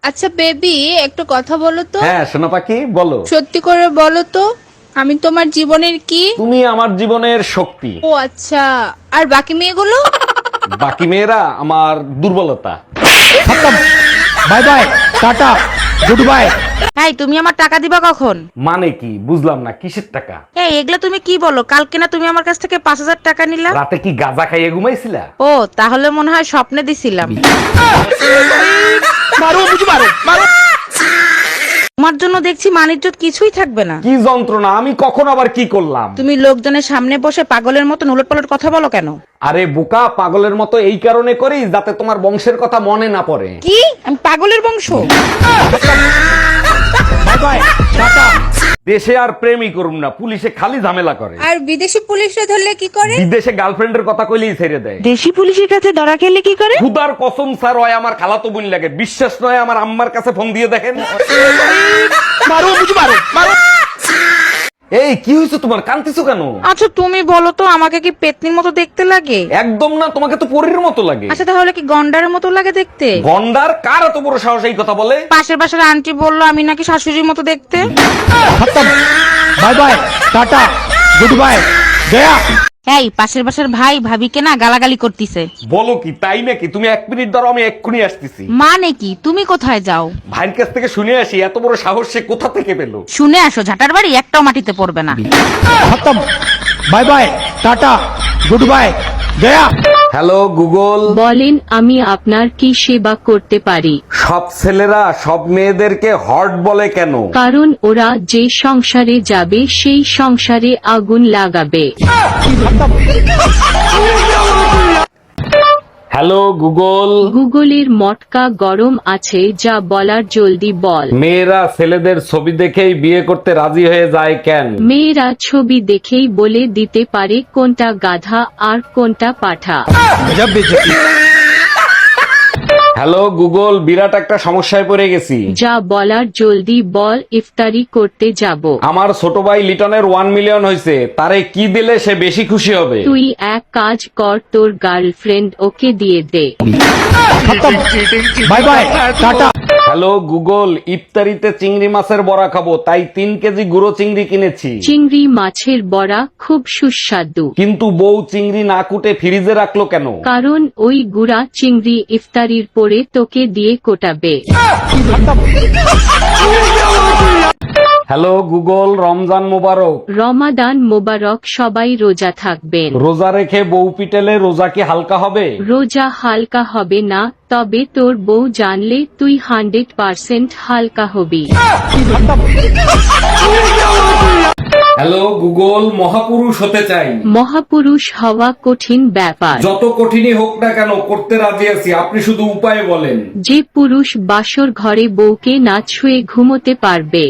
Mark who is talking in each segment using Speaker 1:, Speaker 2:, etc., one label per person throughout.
Speaker 1: আচ্ছা বেবি, একটু কথা বলো তো।
Speaker 2: হ্যাঁ সোনা পাখি বলো।
Speaker 1: সত্যি করে বলো তো, আমি তোমার জীবনের কি?
Speaker 2: তুমি আমার জীবনের শক্তি।
Speaker 1: ও আচ্ছা, আর বাকি মেয়েগুলো?
Speaker 2: বাকি মেয়েরা আমার দুর্বলতা।
Speaker 3: Bye bye, tata, goodbye.
Speaker 4: এই তুমি আমার টাকা দিবা কখন?
Speaker 2: মানে কি বুঝলাম না, কিসের টাকা?
Speaker 4: এই এগুলা তুমি কি বলো? কালকে না তুমি আমার কাছ থেকে 5,000 টাকা নিলা?
Speaker 2: রাতে কি গাঁজা খাইয়ে ঘুমাইছিলা?
Speaker 4: ও তাহলে মনে হয় স্বপ্নে দিছিলাম।
Speaker 3: মারো মুঝে মারো মারো।
Speaker 4: তোমার জন্য দেখছি মানিজ্জত কিছুই থাকবে না।
Speaker 2: কি যন্ত্রণা! আমি কখন আবার কি করলাম?
Speaker 4: তুমি লোকজনের সামনে বসে পাগলের মতো উলটপালট কথা বলো কেন?
Speaker 2: আরে বোকা, পাগলের মতো এই কারণে করি যাতে তোমার বংশের কথা মনে না পড়ে।
Speaker 4: কি আমি পাগলের বংশ?
Speaker 3: Bye bye, tata.
Speaker 2: দেশে আর প্রেমই করুম না, পুলিশে খালি ঝামেলা করে।
Speaker 1: আর বিদেশি পুলিশরা ধরলে কি করে?
Speaker 2: বিদেশে গার্লফ্রেন্ডের কথা কইলেই ছেড়ে দেয়।
Speaker 4: দেশি পুলিশের কাছে ধরা খেলে কি করে?
Speaker 2: খুদার কসম স্যার, হয় আমার খালাতো বোন লাগে। বিশ্বাস নয় আমার আম্মার কাছে ফোন দিয়ে দেখেন।
Speaker 3: মারো মুঝে মারো মারো।
Speaker 2: এই কি হয়েছে তোমার, কাঁদতেছো কেন?
Speaker 4: আচ্ছা তুমি বলো তো, আমাকে কি পেতনির মতো দেখতে লাগে?
Speaker 2: একদম না, তোমাকে তো পরীর মতো লাগে।
Speaker 4: আচ্ছা তাহলে কি গন্ডারের মতো লাগে দেখতে?
Speaker 2: গন্ডার? কার এত বড় সাহস এই কথা বলে?
Speaker 4: পাশের বাসার আন্টি বললো আমি নাকি শাশুড়ির মতো দেখতে।
Speaker 3: Bye bye, tata, goodbye, গয়া।
Speaker 4: এই পাশের বাসার ভাই ভাবিকে না গালাগালি করতিছে।
Speaker 2: বলো কি, তাই নাকি? তুমি 1 মিনিট ধরো, আমি এক্ষুনি আসতেছি।
Speaker 4: মানে কি, তুমি কোথায় যাও?
Speaker 2: ভাইয়ের কাছ থেকে শুনে আসি এত বড় সাহস সে কোথা থেকে পেলো।
Speaker 4: শুনে আসো, ঝাটার বাড়ি একটাও মাটিতে পড়বে না।
Speaker 3: খতম। Bye bye, tata, goodbye, গয়া।
Speaker 2: Hello Google.
Speaker 5: বলেন আমি আপনার কি সেবা করতে পারি?
Speaker 2: সব ছেলেরা সব মেয়েদেরকে হট বলে কেন?
Speaker 5: কারণ ওরা যে সংসারে যাবে সেই সংসারে আগুন লাগাবে।
Speaker 2: Hello Google.
Speaker 5: গুগলের মটকা গরম আছে, যা বলার জলদি বল।
Speaker 2: মেয়েরা ছেলেদের ছবি দেখেই বিয়ে করতে রাজি হয়ে যায় কেন?
Speaker 5: মেয়েরা ছবি দেখেই বলে দিতে পারে কোনটা গাধা আর কোনটা পাঠা।
Speaker 3: গজব বেজতি।
Speaker 2: হ্যালো গুগল, বিরাট একটা সমস্যায় পড়ে গেছি।
Speaker 5: যা বলার জলদি বল, ইফতারি করতে যাব।
Speaker 2: আমার ছোট ভাই লিটনের 1 মিলিয়ন হয়েছে, তারে কি দিলে সে বেশি খুশি হবে?
Speaker 5: তুই এক কাজ কর, তোর গার্লফ্রেন্ড ওকে দিয়ে দে।
Speaker 3: খতম। Bye bye, tata.
Speaker 2: Hello Google, ইফতারিতে চিংড়ি মাছের বড়া খাবো, তাই 3 কেজি গুঁড়ো চিংড়ি কিনেছি।
Speaker 5: চিংড়ি মাছের বড়া খুব সুস্বাদু।
Speaker 2: কিন্তু বউ চিংড়ি না কুটে ফ্রিজে রাখলো কেন?
Speaker 5: কারণ ওই গুড়া চিংড়ি ইফতারির পরে তোকে দিয়ে কোটাবে।
Speaker 2: হ্যালো গুগল, রমজান মোবারক।
Speaker 5: রমাদান মোবারক, সবাই রোজা থাকবেন।
Speaker 2: রোজা রেখে বউ পিটালে রোজা কি হালকা হবে?
Speaker 5: রোজা হালকা হবে না, তবে তোর বউ জানলে তুই 100% হালকা হবি।
Speaker 2: হ্যালো গুগল, মহাপুরুষ হতে চাই।
Speaker 5: মহাপুরুষ হওয়া কঠিন ব্যাপার।
Speaker 2: যত কঠিনই হোক না কেন করতে রাজি আছি, আপনি শুধু উপায় বলেন।
Speaker 5: যে পুরুষ বাসর ঘরে বউকে না ছুঁয়ে ঘুমোতে পারবে।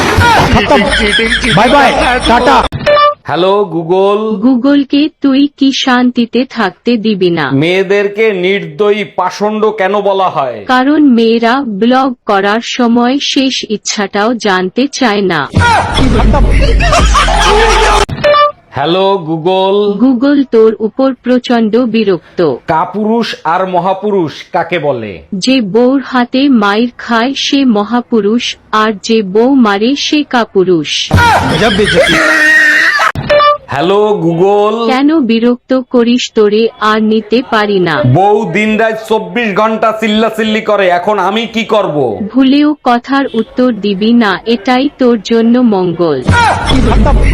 Speaker 3: Bye bye, tata.
Speaker 2: Hello Google.
Speaker 5: গুগলকে তুই কি শান্তিতে থাকতে দিবি না?
Speaker 2: মেয়েদেরকে নির্দয়ী পাষণ্ড কেন বলা হয়?
Speaker 5: কারণ মেয়েরা ব্লগ করার সময় শেষ ইচ্ছাটাও জানতে চায় না।
Speaker 2: Hello Google.
Speaker 5: গুগল তোর উপর প্রচন্ড বিরক্ত।
Speaker 2: কাপুরুষ আর মহাপুরুষ কাকে বলে?
Speaker 5: যে বউর হাতে মাইর খায় সে মহাপুরুষ, আর যে বউ মারে সে কাপুরুষ।
Speaker 3: গজব বেজতি।
Speaker 2: Hello Google.
Speaker 5: কেন বিরক্ত করিস, তোরে আর নিতে পারি না।
Speaker 2: বউ দিনরাত 24 ঘন্টা চিল্লাচিল্লি করে, এখন আমি কি করব?
Speaker 5: ভুলেও কথার উত্তর দিবি না, এটাই তোর জন্য মঙ্গল।